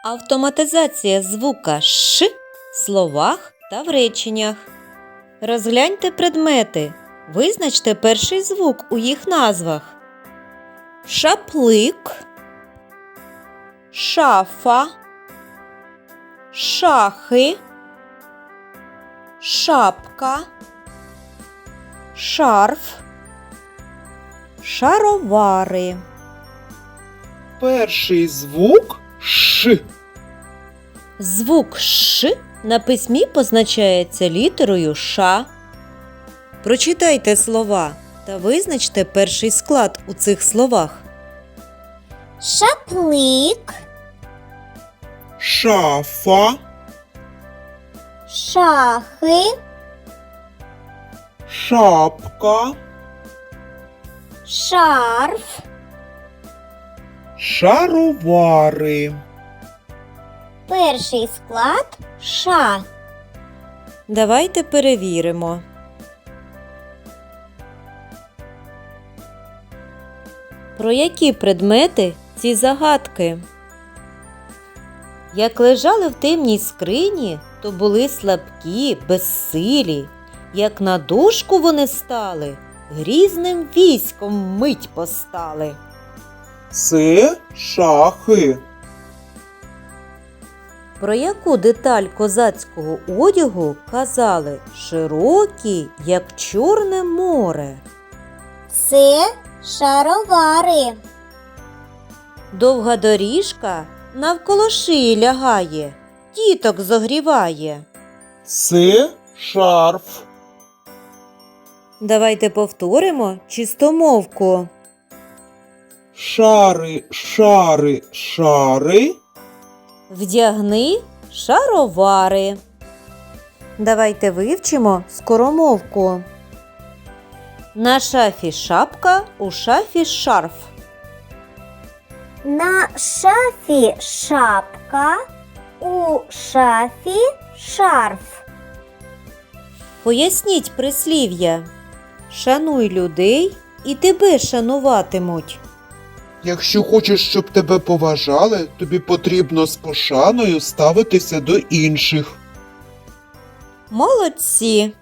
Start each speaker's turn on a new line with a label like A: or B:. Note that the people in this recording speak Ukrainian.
A: Автоматизація звука «ш» в словах та в реченнях. Розгляньте предмети. Визначте перший звук у їх назвах. Шаплик, шафа, шахи, шапка, шарф, шаровари.
B: Перший звук Ш.
A: Звук «ш» на письмі позначається літерою «ш». Прочитайте слова та визначте перший склад у цих словах.
C: Шаплик,
B: Шафа,
C: шахи,
B: шапка,
C: шарф.
B: шаровари.
C: Перший склад ша.
A: Давайте перевіримо. Про які предмети ці загадки? Як лежали в темній скрині, то були слабкі, безсилі. Як на дошку вони стали, грізним військом мить постали.
B: Це шахи.
A: Про яку деталь козацького одягу казали широкі, як Чорне море?
C: Це шаровари.
A: Довга доріжка навколо шиї лягає, діток зогріває.
B: Це шарф.
A: Давайте повторимо чистомовку.
B: Шари, шари, шари.
A: Вдягни шаровари. Давайте вивчимо скоромовку. На шафі шапка, у шафі шарф.
C: На шафі шапка, у шафі шарф.
A: Поясніть прислів'я. Шануй людей, і тебе шануватимуть.
B: Якщо хочеш, щоб тебе поважали, тобі потрібно з пошаною ставитися до інших.
A: Молодці!